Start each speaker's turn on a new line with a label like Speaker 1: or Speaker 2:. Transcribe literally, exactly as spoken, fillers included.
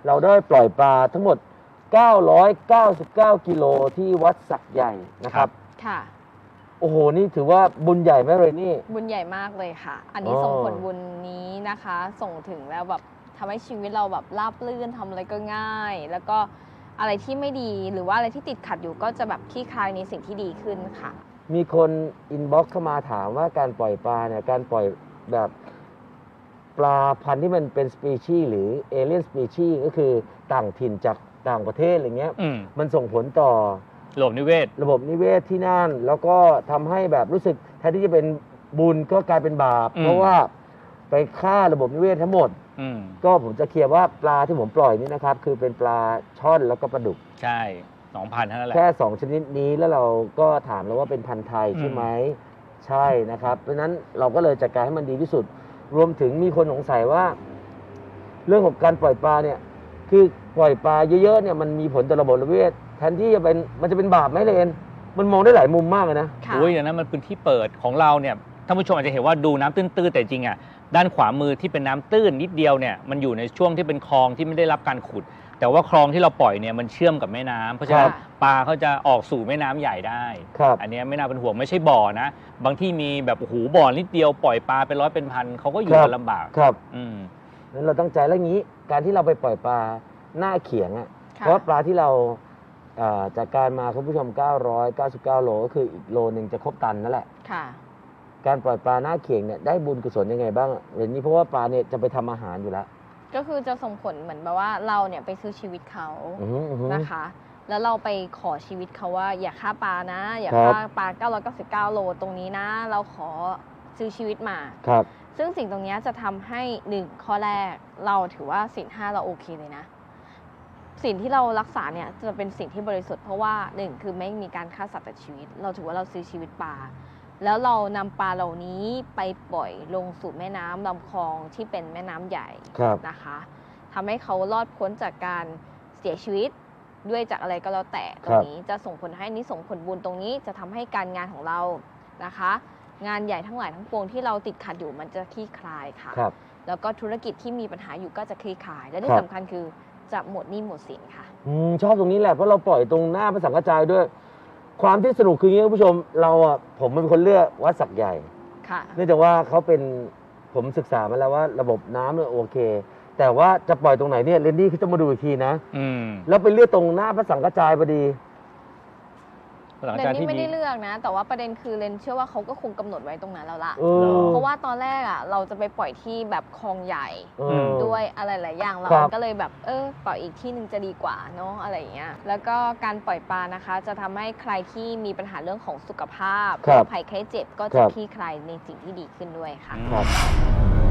Speaker 1: เราได้ปล่อยปลาทั้งหมดเก้าร้อยเก้าสิบเก้ากิโลที่วัดสักใหญ่นะครับ
Speaker 2: ค่ะ
Speaker 1: โอ้โหนี่ถือว่าบุญใหญ่ไหมเลยนี่
Speaker 2: บุญใหญ่มากเลยค่ะอันนี้ส่งผลบุญนี้นะคะส่งถึงแล้วแบบทำให้ชีวิตเราแบบราบรื่นทำอะไรก็ง่ายแล้วก็อะไรที่ไม่ดีหรือว่าอะไรที่ติดขัดอยู่ก็จะแบบคลี่คลายในสิ่งที่ดีขึ้นค่ะ
Speaker 1: มีคนอินบ็อกซ์เข้ามาถามว่าการปล่อยปลาเนี่ยการปล่อยแบบปลาพันธุ์ที่มันเป็นสปีชีส์หรือเอเลียนสปีชีส์ก็คือต่างถิ่นจากต่างประเทศอะไรเงี้ยมมันส่งผลต่อ
Speaker 3: ระบบนิเวศ
Speaker 1: ระบบนิเวศที่นั่นแล้วก็ทำให้แบบรู้สึกแทนที่จะเป็นบุญก็กลายเป็นบาปเพราะว่าไปฆ่าระบบนิเวศทั้งหมดก็ผมจะเคลียร์ว่าปลาที่ผมปล่อยนี่นะครับคือเป็นปลาช่อนแล้วก็ปลาดุก
Speaker 3: ใช่สองพันเท่านั้นแหละ
Speaker 1: แค่สองชนิดนี้แล้วเราก็ถามแล้วว่าเป็นพันธุ์ไทยใช่ไหมใช่นะครับเพราะฉะนั้นเราก็เลยจัดการให้มันดีที่สุดรวมถึงมีคนสงสัยว่าเรื่องของการปล่อยปลาเนี่ยคือปล่อยปลาเยอะๆเนี่ยมันมีผลต่อระบบนิเวศแทนที่จะเป็นมันจะเป็นบาปไหมเลนมันมองได้หลายมุมมากเลยนะ
Speaker 3: โอ้ยอย่างนั้นมันพื้นที่เปิดของเราเนี่ยท่านผู้ชมอาจจะเห็นว่าดูน้ำตื้นๆแต่จริงอ่ะด้านขวามือที่เป็นน้ำตื้นนิดเดียวเนี่ยมันอยู่ในช่วงที่เป็นคลองที่ไม่ได้รับการขุดแต่ว่าคลองที่เราปล่อยเนี่ยมันเชื่อมกับแม่น้ำเพราะฉะนั้นปลาเขาจะออกสู่แม่น้ำใหญ่ได้อันนี้ไม่น่าเป็นห่วงไม่ใช่บ่อนะบางที่มีแบบโอ้โหบ่อนิดเดียวปล่อยปลาเป็นร้อยเป็นพันเขาก็อยู่กันลำบาก
Speaker 1: ครับอืมนั้นเราตั้งใจแล้วงี้การที่เราไปปล่อยปลาหน้าเขียงอ่ะเพราะปลาที่เราจากการมาคุณผู้ชมเก้าร้อยเก้าสิบเก้าโลก็คืออีกโลนึงจะครบตันนั่นแหละค่ะการปล่อยปลาหน้าเขียงเนี่ยได้บุญกุศลยังไงบ้างเรื่องนี้เพราะว่าปลาเนี่ยจะไปทำอาหารอยู่แล้ว
Speaker 2: ก็คือจะส่งผลเหมือนแบบว่าเราเนี่ยไปซื้อชีวิตเขานะคะแล้วเราไปขอชีวิตเขาว่าอย่าฆ่าปลานะอย่าฆ่าปลาเก้าร้อยเก้าสิบเก้าโลตรงนี้นะเราขอซื้อชีวิตมาครับซึ่งสิ่งตรงนี้จะทำให้หนึ่งข้อแรกเราถือว่าศีลห้าเราโอเคเลยนะสิ่งที่เรารักษาเนี่ยจะเป็นสิ่งที่บริสุทธิ์เพราะว่าหนึ่งคือไม่มีการฆ่าสัตว์ตัดชีวิตเราถือว่าเราซื้อชีวิตปลาแล้วเรานำปลาเหล่านี้ไปปล่อยลงสู่แม่น้ำลำคลองที่เป็นแม่น้ำใหญ่นะคะทำให้เขารอดพ้นจากการเสียชีวิตด้วยจากอะไรก็แล้วแต่ตรงนี้จะส่งผลให้นิส่งผลบุญตรงนี้จะทำให้การงานของเรานะคะงานใหญ่ทั้งหลายทั้งปวงที่เราติดขัดอยู่มันจะคลี่คลายค่ะแล้วก็ธุรกิจที่มีปัญหาอยู่ก็จะคลี่คลายและที่สำคัญคือจะหมดหนี้หมดสินค่ะ
Speaker 1: อืมชอบตรงนี้แหละเพราะเราปล่อยตรงหน้าพระสังฆจายด้วยความที่สนุกคืออย่างนี้คุณผู้ชมเราอ่ะผมเป็นคนเลือกวัดสักใหญ่ค่ะเนื่องจากว่าเขาเป็นผมศึกษามาแล้วว่าระบบน้ำเนี่ยโอเคแต่ว่าจะปล่อยตรงไหนเนี่ยเรนดี้เขาจะมาดูอีกทีนะอืมแล้วไปเลือกตรงหน้าพระสังฆจายพอดี
Speaker 2: เรนนี่ไม่ได้เลือกนะแต่ว่าประเด็นคือเรนเชื่อว่าเขาก็คงกำหนดไว้ตรงนั้นแล้วล่ะเพราะว่าตอนแรกอ่ะเราจะไปปล่อยที่แบบคลองใหญ่ด้วยอะไรหลายอย่างเราก็เลยแบบเออปล่อยอีกที่นึงจะดีกว่าเนาะอะไรอย่างเงี้ยแล้วก็การปล่อยปลานะคะจะทำให้ใครที่มีปัญหาเรื่องของสุขภาพภัยไข้เจ็บก็จะคลี่คลายในสิ่งที่ดีขึ้นด้วยค่ะ